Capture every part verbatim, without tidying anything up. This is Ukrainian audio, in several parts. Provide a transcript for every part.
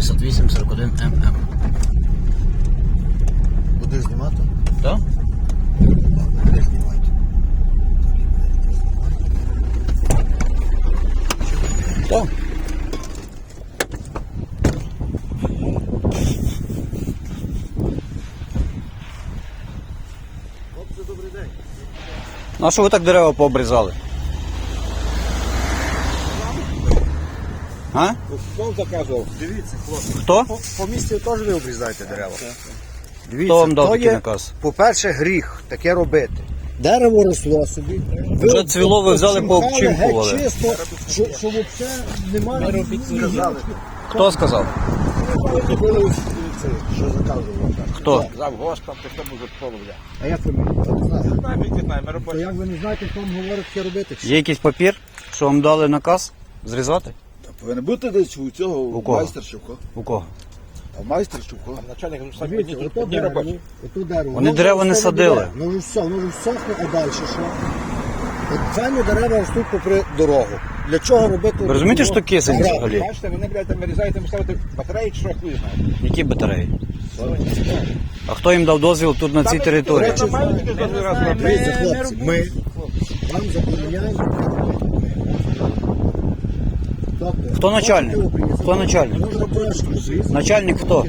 шістдесят вісім сорок один ем ем. Будеш знімати? Так? Де знімати? Так. Хлопці, добрий день. Ну а що ви так дерева пообрізали? А? Хто заказував? Дивіться, хлопці. Хто? По, по місті теж ви обрізаєте дерева. Дивіться, Хто вам дав то такий є, наказ? по-перше, гріх таке робити. Дерево росло собі. Вже цвіло, ви взяли, обчимхали, пообчимхували. геть чисто, що, що взагалі немає. Хто сказав? Що заказував? Хто? Завгоспом, ти що може половля. А як ви не знаєте? Навіть не знаємо, То робочі. як ви не знаєте, хто вам говорить, що робити? Є якийсь папір, що вам дали наказ зрізати? Повинен бути десь у цього У кого? майстер Шевко. У кого? А майстер Шевко. Начальник ну, самі Дивіться, одні, ото одні дерево, робочі. ото дерево. Вони Воно дерева вже не росте садили. дерева. Воно вже все, воно вже всохне, а далі що? От самі дерева ростуть попри дорогу. Для чого робити? Ви розумієте, що кисень Граб. взагалі? Бачите, вони, блядь, там вирізають, там ставити батареї, чи що хуй знає. Які батареї? А хто їм дав дозвіл тут на цій території? Там мають тільки за раз Дивіться, хлопці, ми вам забороняємо. Тобто, Хто начальник? Хто начальник? можна трошки обрізати. Начальник хто?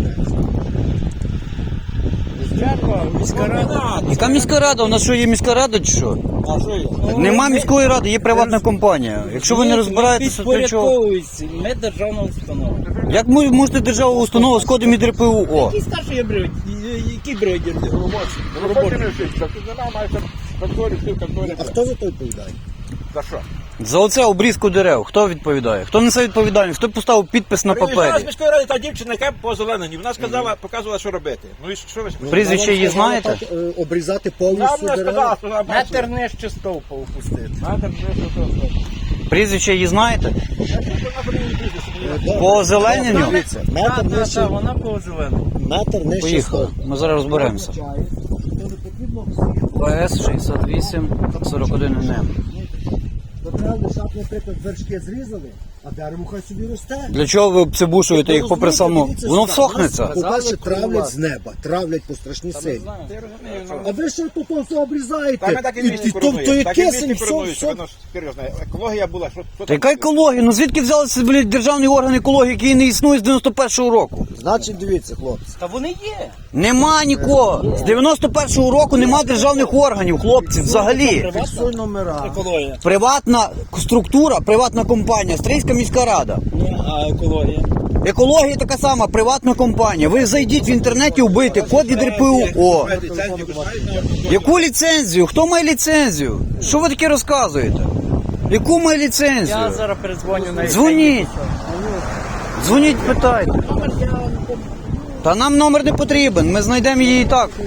Міська рада. Яка міська рада? У нас що, є міська рада чи що? А що є? Нема міської ради, є приватна компанія. Якщо ви не розбираєтеся, то чого? Ми державна установа. Як ви можете державу установу з кодом і ДРПУ? О? Які старші бригадір? Які бригадір? Робочі. Робочі не вчить. Тобто нема, має там конторі, всі в конторі. А хто за то відповідає? За що? За оце обрізку дерев. Хто відповідає? Хто несе відповідальність? Хто поставив підпис на Приїжджала з папері? міської ради та дівчина, яка по зеленені. Вона сказала, показувала, що робити. Ну і що ви? Прізвище її Вона вам знаєте? сказала так, е, обрізати Нам повністю не дерева. сказала, сказала, бачите. Метр нижче стовпа опустити. Метр не сказала. Прізвище її знаєте? Я чую, що вона мені не бізнес. Добре. По озелененню? Дивіться, Так, метр так, нижче, так, вона по зеленому. метр нижче Поїхали. стовпа. Ми зараз розберемося. Означає, що не потрібно всіх. ПС шістдесят вісім сорок один ен ем. То треба лишати, наприклад, вершки зрізали, а дерево хай собі росте. Для чого ви обцебушуєте їх попри саму? Дивіться Воно сюди. всохнеться. Нас, по-перше, травлять з неба, травлять по страшній силі. Ти розумієш, ну. А ви що тут то все обрізаєте? Так ми так і в місті то, то є коронуємо. Так і в кисень, місті все, коронують, що все. воно ж серйозно. Екологія була, що що Та яка екологія? Ну звідки взялися, блядь, державний орган екології, який не існує з дев'яносто першого року? Значить, дивіться, хлопці. Та вони є. Нема нікого. З дев'яносто першого року нема державних органів, хлопці, взагалі. Фіксуй номера. Екологія. Приватна структура, приватна компанія, Стрийська міська рада. Ні, а екологія. Екологія така сама, приватна компанія. Ви зайдіть в інтернеті, вбийте код від РПУ. О. Яку ліцензію? Хто має ліцензію? Що ви таке розказуєте? Яку має Я ліцензію? зараз передзвоню на Дзвоніть. Дзвоніть, питайте. Та нам номер не потрібен, ми знайдемо її і так.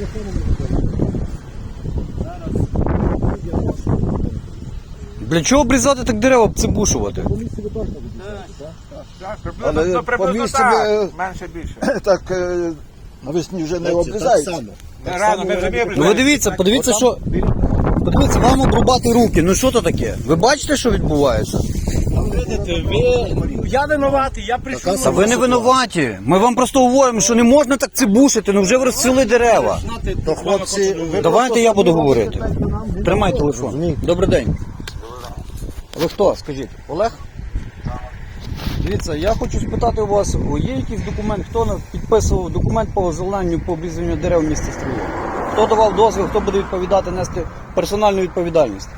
Для чого обрізати так дерева, обцебушувати? Приблизно, Але ну, приблизно по місці так, ми- менше більше. Так е, навесні вже не Хлопці, так обрізають. само. Не рано, ми вже Ну ви дивіться, подивіться, що. Подивіться, вам обрубати руки. Ну що то таке? Ви бачите, що відбувається? Видите, ви... Я винуватий, я прийшов. Та ви не винуваті. Ми вам просто говоримо, що не можна так цибушити, ну вже ви розцвіли дерева. То хлопці, ви Давайте я буду говорити. Тримай телефон. Добрий день. Ви хто? Скажіть, Олег? Дивіться, я хочу спитати у вас, є якийсь документ, хто на- підписував документ по озелененню, по обрізанню дерев в місті Стрия? Хто давав дозвіл, хто буде відповідати, нести персональну відповідальність?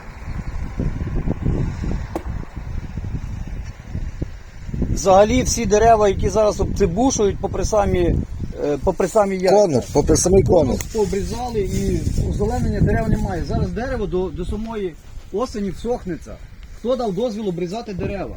Взагалі всі дерева, які зараз обцебушують попри самі, е, попри самі яйця. конус, попри самий конус. Пообрізали і озеленення дерев немає. Зараз дерево до, до самої осені всохнеться. Хто дав дозвіл обрізати дерева?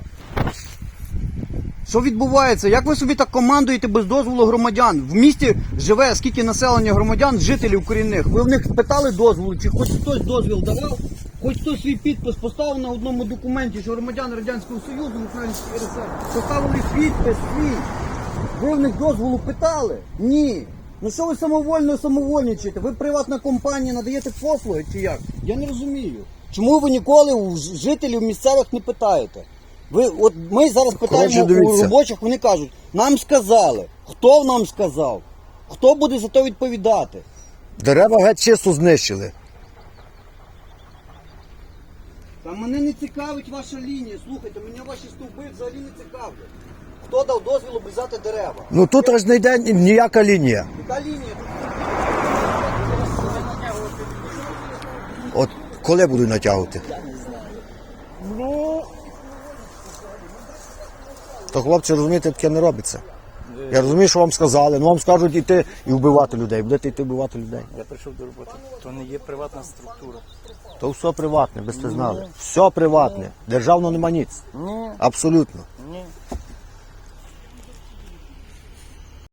Що відбувається? Як ви собі так командуєте без дозволу громадян? В місті живе скільки населення громадян, жителів корінних. Ви в них питали дозволу, чи хоч хтось дозвіл давав? Хоч хтось свій підпис поставив на одному документі, що громадяни Радянського Союзу, Української РСР, поставили підпис свій. Ви в них дозволу питали? Ні. Ну що ви самовольно самовольничаєте? Ви приватна компанія, надаєте послуги чи як? Я не розумію. Чому ви ніколи у ж- жителів місцевих не питаєте? Ви, от ми зараз питаємо Коротше, у дивіться. робочих, вони кажуть, нам сказали. Хто нам сказав? Хто буде за то відповідати? Дерева геть чисто знищили. Та мене не цікавить ваша лінія. Слухайте, мене ваші стовби взагалі не цікавлять. Хто дав дозвіл обрізати дерева? Ну тут аж не йде ніяка лінія. Яка лінія? От коли будуть натягувати? Ну, То хлопці, розумієте, таке не робиться. Я розумію, що вам сказали, ну вам скажуть йти і вбивати людей. Будете йти вбивати людей. я прийшов до роботи. То не є приватна структура. То все приватне, ви сте знали. Все приватне. Державно нема ніц. Абсолютно.